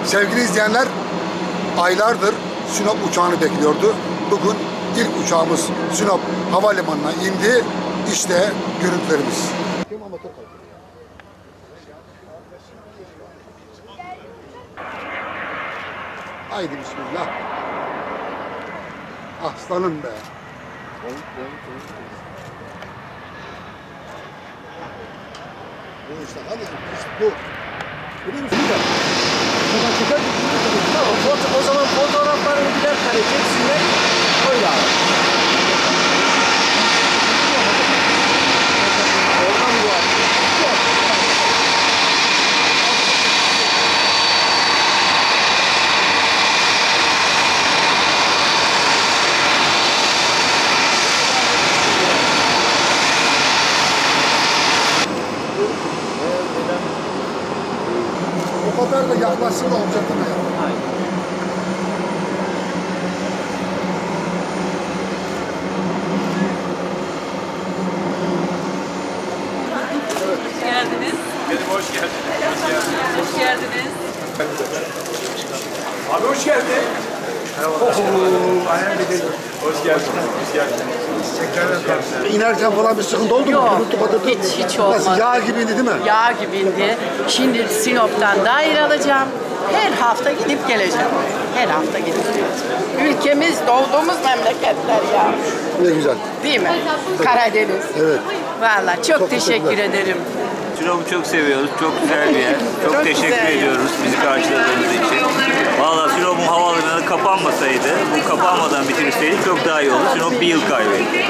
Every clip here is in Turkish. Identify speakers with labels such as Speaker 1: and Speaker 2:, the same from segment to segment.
Speaker 1: Sevgili izleyenler, aylardır Sinop uçağını bekliyordu. Bugün ilk uçağımız Sinop Havalimanı'na indi. İşte görüntülerimiz. Haydi bismillah. Aslanım be. Bu işte hadi bu. Biliyor musun da? Buradan çeker mi?
Speaker 2: Tamam, o zaman fotoğraflarını birer kare çeksinler. Öyle abi. Oradan bu abi.
Speaker 1: O kadar da yaklaşsın da olacak mı ya?
Speaker 3: Hoş geldiniz.
Speaker 4: Benim hoş geldin.
Speaker 3: Hoş geldiniz.
Speaker 4: Abi hoş geldin. Hoş geldin. Hoş geldin.
Speaker 1: İnerken falan bir sıkıntı oldu mu?
Speaker 3: Yok,
Speaker 1: Gürültü patırtı.
Speaker 3: hiç olmadı.
Speaker 1: Nasıl, yağ gibiydi değil mi?
Speaker 3: Yağ gibiydi. Şimdi Sinop'tan daire alacağım. Her hafta gidip geleceğim. Her hafta gidip geleceğim. Ülkemiz doğduğumuz memleketler ya.
Speaker 1: Ne güzel.
Speaker 3: Değil mi? Karadeniz.
Speaker 1: Evet.
Speaker 3: Vallahi çok teşekkür
Speaker 1: teşekkürler.
Speaker 3: ederim.
Speaker 5: Sinop'u çok seviyoruz. Çok güzel bir yer. Çok teşekkür
Speaker 3: güzel.
Speaker 5: ediyoruz bizi karşıladığınız için. Valla Sinop'un havaalanı kapanmasaydı, bu kapanmadan bitirseydik çok daha iyi olur. Sinop bir yıl kaybetti.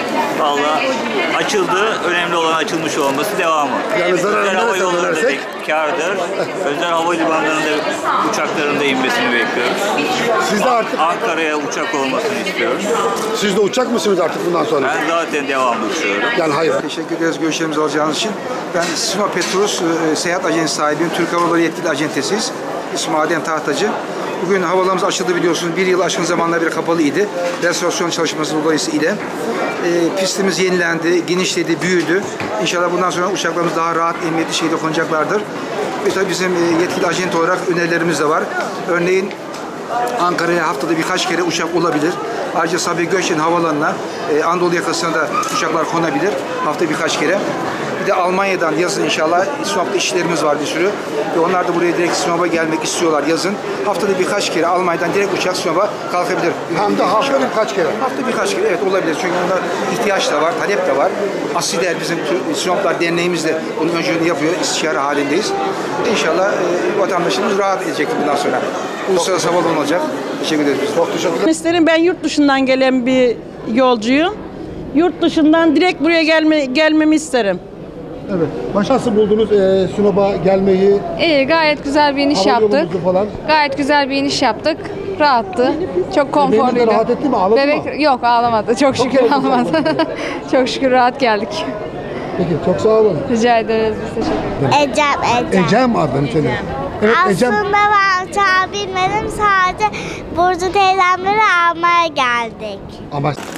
Speaker 5: Valla açıldı. Önemli olan açılmış olması, devamı.
Speaker 1: Yani zararını
Speaker 5: Özel hava
Speaker 1: nereden
Speaker 5: yolları
Speaker 1: dönersek?
Speaker 5: dedik kârdır. Özel havalimanlarında uçaklarında inmesini bekliyoruz.
Speaker 1: Siz de artık,
Speaker 5: Ankara'ya uçak olmasını istiyoruz.
Speaker 1: siz de uçacak mısınız artık bundan sonra?
Speaker 5: Ben zaten devamlı uçuyorum.
Speaker 1: Yani hayır.
Speaker 2: Teşekkür ederiz görüşlerimizi alacağınız için. Ben Sinop Petrus seyahat ajansı sahibiyim. Türk Hava Yolları yetkili acentesiyiz. İsmim Adem Tahtacı. Bugün havalarımız açıldı biliyorsunuz. Bir yıl aşkın zamanlar beri kapalı idi. Restorasyon çalışması dolayısıyla. Pistimiz yenilendi, genişledi, büyüdü. İnşallah bundan sonra uçaklarımız daha rahat, emniyetli şekilde konacaklardır. Ve tabii bizim yetkili ajent olarak önerilerimiz de var. Örneğin Ankara'ya haftada birkaç kere uçak olabilir. Ayrıca Sabiha Gökçen Havaalanı'na Anadolu yakasına da uçaklar konabilir. Haftada birkaç kere. Bir de Almanya'dan yazın inşallah Sinop'ta işlerimiz var bir sürü. Ve onlar da buraya direkt Sinop'a gelmek istiyorlar yazın. Haftada birkaç kere Almanya'dan direkt uçak Sinop'a kalkabilir.
Speaker 1: Hem de haftada birkaç kere.
Speaker 2: Hafta birkaç kere evet olabilir. Çünkü onda ihtiyaç da var, talep de var. Asider bizim Sinoplar Derneğimiz de bunun öncülüğünü yapıyor. İstişare halindeyiz. İnşallah vatandaşımız rahat edecek bundan sonra. Uluslararası havaalanı olacak. Teşekkür ederiz.
Speaker 1: Çok teşekkürler.
Speaker 6: Mesleğim, ben yurt dışından gelen bir yolcuyum. Yurt dışından direkt buraya gelmemi isterim.
Speaker 1: Evet. Nasıl buldunuz Sinop'a gelmeyi?
Speaker 7: İyi, gayet güzel bir iniş
Speaker 1: Hava
Speaker 7: yaptık.
Speaker 1: yolumuzu falan.
Speaker 7: Gayet güzel bir iniş yaptık. Rahattı. Çok
Speaker 1: Bebeğiniz de
Speaker 7: konforluydu.
Speaker 1: rahat etti mi? Ağladı mı?
Speaker 7: Yok, ağlamadı. Çok şükür
Speaker 1: güzel.
Speaker 7: ağlamadı. Çok şükür rahat geldik.
Speaker 1: Peki, çok sağ olun.
Speaker 7: Rica ederiz. Biz teşekkür ederiz.
Speaker 8: Ecem.
Speaker 1: Ecem adını senin. Evet Ecem.
Speaker 8: Aslında ben uçağı bilmedim. Sadece Burcu teyzemleri almaya geldik.
Speaker 1: Ama